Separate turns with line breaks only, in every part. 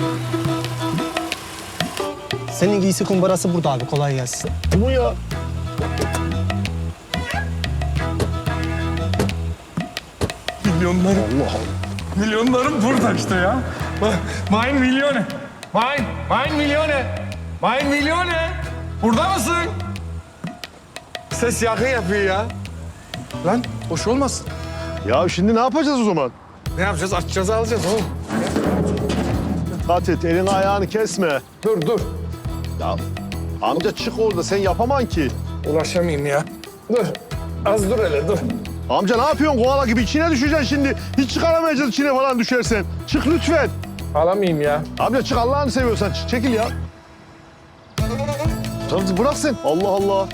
Senin giysi kumbarası burada abi. Kolay gelsin.
Bu ya.
Milyonlarım.
Allah Allah.
Milyonlarım burada işte ya. Mein Milyone. Mein Milyone. Mein Milyone. Burada mısın? Ses yakın yapıyor ya. Lan hoş olmasın.
Ya şimdi ne yapacağız o zaman?
Ne yapacağız? Açacağız alacağız oğlum.
Dikkat et, elini ayağını kesme.
Dur.
Ya amca çık orada, sen yapaman ki.
Ulaşamayayım ya. Dur. Az dur hele dur.
Amca ne yapıyorsun koala gibi? İçine düşeceksin şimdi. Hiç çıkaramayacağız içine falan düşersen. Çık lütfen.
Alamayayım ya.
Amca çık, Allah'ını seviyorsan çık, çekil ya. Tamam bırak sen. Allah Allah.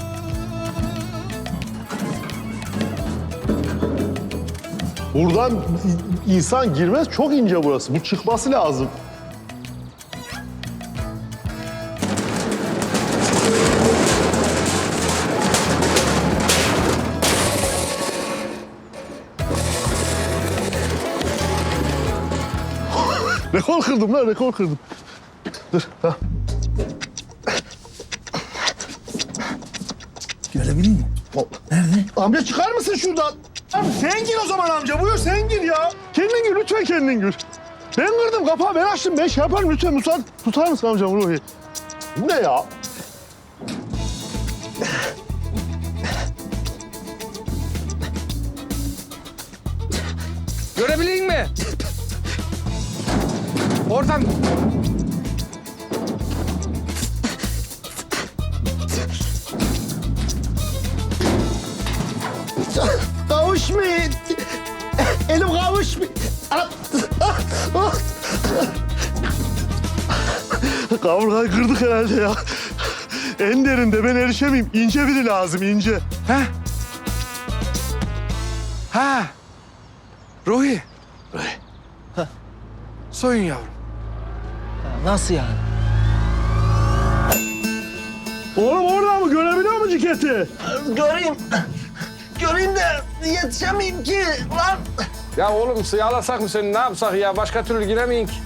Buradan insan girmez. Çok ince burası. Bu çıkması lazım. Rekor kırdım lan, rekor kırdım. Dur, ha.
Görebilir miyim? Nerede?
Amca çıkar mısın şuradan? Abi sen gir o zaman amca, buyur sen gir ya. Kendin gir, lütfen kendin gir. Ben kırdım kapağı, ben açtım, ben şey yaparım lütfen. Tutar mısın amcam Ruhi? Bu ne ya?
Görebileyim mi? Oradan.
Kavuşmayın. Elim kavuşmuyor. Kaburgayı kırdık herhalde ya. En derinde ben erişemeyeyim. İnce biri lazım, ince.
Ha. Ruhi. Soyun yavrum.
Nasıl yani?
Oğlum orada mı? Görebiliyor musun ciketi?
Göreyim de yetişemeyeyim ki lan.
Ya oğlum sıyalasak mı seni? Ne yapsak ya? Başka türlü giremeyin ki.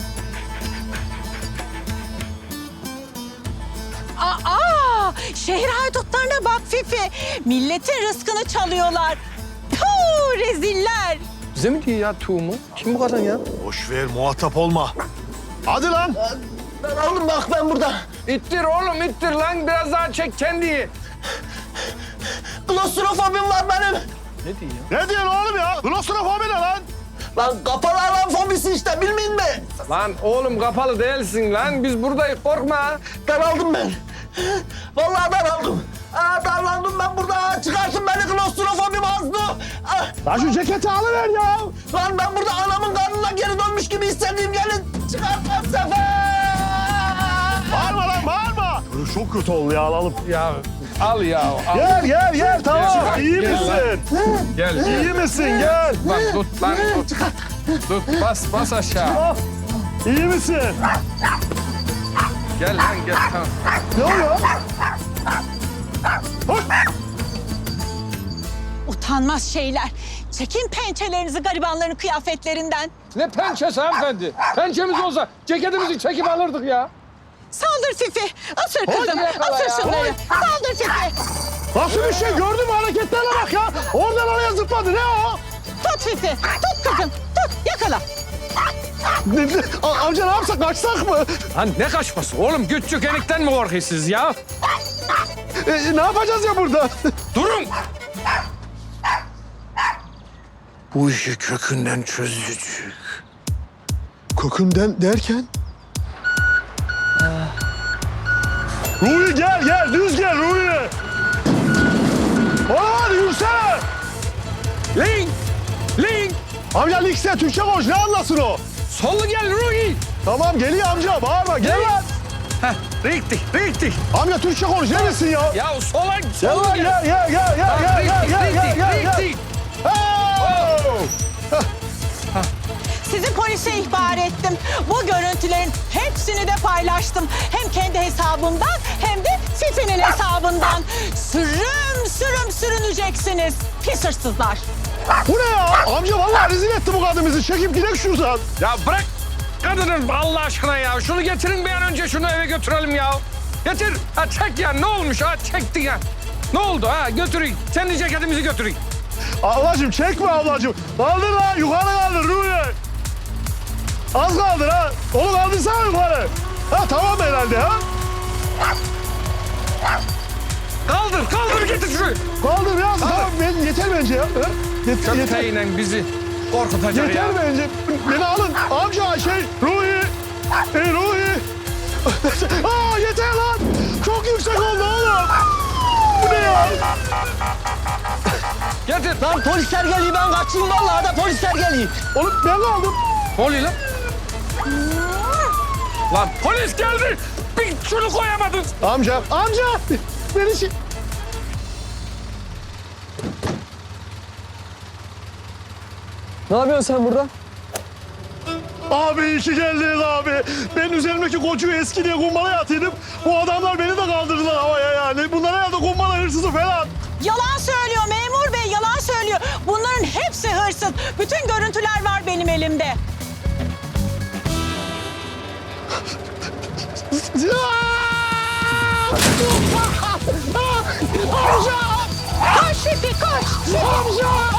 Aa, şehir haydutlarına bak Fifi. Milletin rızkını çalıyorlar. Puh, reziller.
Bize mi diyor ya tuğumu? Kim bu kadın ya?
Boş ver, muhatap olma. Hadi lan.
Oğlum bak ben burada.
İttir oğlum ittir lan. Biraz daha çek kendiyi.
Klostrofobim var benim.
Ne diyor ya?
Ne diyorsun oğlum ya? Klostrofobi ne lan?
Lan kapalı alan fobisi işte bilmeyin mi?
Lan oğlum kapalı değilsin lan. Biz buradayız korkma.
Daraldım ben. Vallahi daraldım. Darlandım ben burada. Çıkarsın beni klostrofobim azdı.
Lan şu ceketi alıver ya.
Lan ben burada anamın karnına geri dönmüş gibi hissediyorum. Gelin çıkartma sefer.
Bağırma lan, bağırma. Çok kötü oldu ya, alalım.
Ya al ya. Al.
Gel, tamam.
Gel,
İyi
gel
misin?
Gel.
İyi misin? Gel.
Lan tut lan tut. Tut bas aşağı.
İyi misin?
Gel lan gel tamam.
Ne oluyor?
Utanmaz şeyler. Çekin pençelerinizi garibanların kıyafetlerinden.
Ne pençesi hanımefendi? Pençemiz olsa ceketimizi çekip alırdık ya.
Saldır Fifi. Asır kızım.
yakala
Asır
ya.
şunları. Saldır Fifi.
Nasıl bir şey, gördün mü hareketlerine bak ya. Oradan oraya zıpladı, ne o?
Tut Fifi. Tut kızım. Tut. Yakala.
Amca ne yapsak, kaçsak mı?
Lan ne kaçması oğlum? Güç çökenikten mi korkuyorsunuz ya?
Ne yapacağız ya burada?
Durun! Bu işi kökünden çözecek.
Kökünden derken? Ruhi gel, düz gel Ruhi. Hadi yürüsene.
Link!
Amca Lix'e Türkçe konuş, ne anlasın o?
Sollu gel Ruhi!
Tamam geliyor amca, bağırma, gel lan.
Heh, richtig.
Amca Türkçe konuş, neresin ya?
Ya sola
Gel lan, gel.
Richtig.
Oh!
Sizi polise ihbar ettim. Bu görüntülerin hepsini de paylaştım. Hem kendi hesabımdan hem de Fifi'nin hesabından. Sürüm sürüneceksiniz. Pis hırsızlar.
Bu ne ya? Amca vallahi rezil etti bu kadın bizi. Çekip gidelim şuradan.
Ya bırak! kadının Allah aşkına ya. Şunu getirin bir an önce, şunu eve götürelim ya. Getir. Ha çek ya, ne olmuş ha, çektin ya. Ne oldu ha, götürün. Sen de ceketimizi götürün.
Ablacığım çekme ablacığım. Kaldır lan yukarı kaldır Ruhi. Az kaldır ha. Onu kaldırsana yukarı. Ha tamam herhalde ha.
Kaldır getir şunu.
Kaldır ya. Tamam yeter bence ya. Ha? Yeter.
Köpeğiyle bizi korkutacak ya.
Yeter bence. Beni alın. Amca Ruhi. Ruhi. Aa yeter lan. Çok yüksek oldu oğlum. Bu ne ya?
Getir.
Lan polisler geliyor, ben kaçayım vallahi da polisler geliyor.
Oğlum ben kaldım.
Ne oluyor lan? Lan polis geldi. Bir şunu koyamadın.
Amca. Beni
Ne yapıyorsun sen burada?
Abi iyi ki geldiniz abi. Ben üzerimdeki koçu eski diye kumbalaya atıyordum. Bu adamlar beni de kaldırdılar havaya yani. Bunlar herhalde kumbala hırsızı falan.
Yalan söylüyor memur bey, yalan söylüyor. Bunların hepsi hırsız. Bütün görüntüler var benim elimde.
Amca!
Koş Şefik koş.
Amca!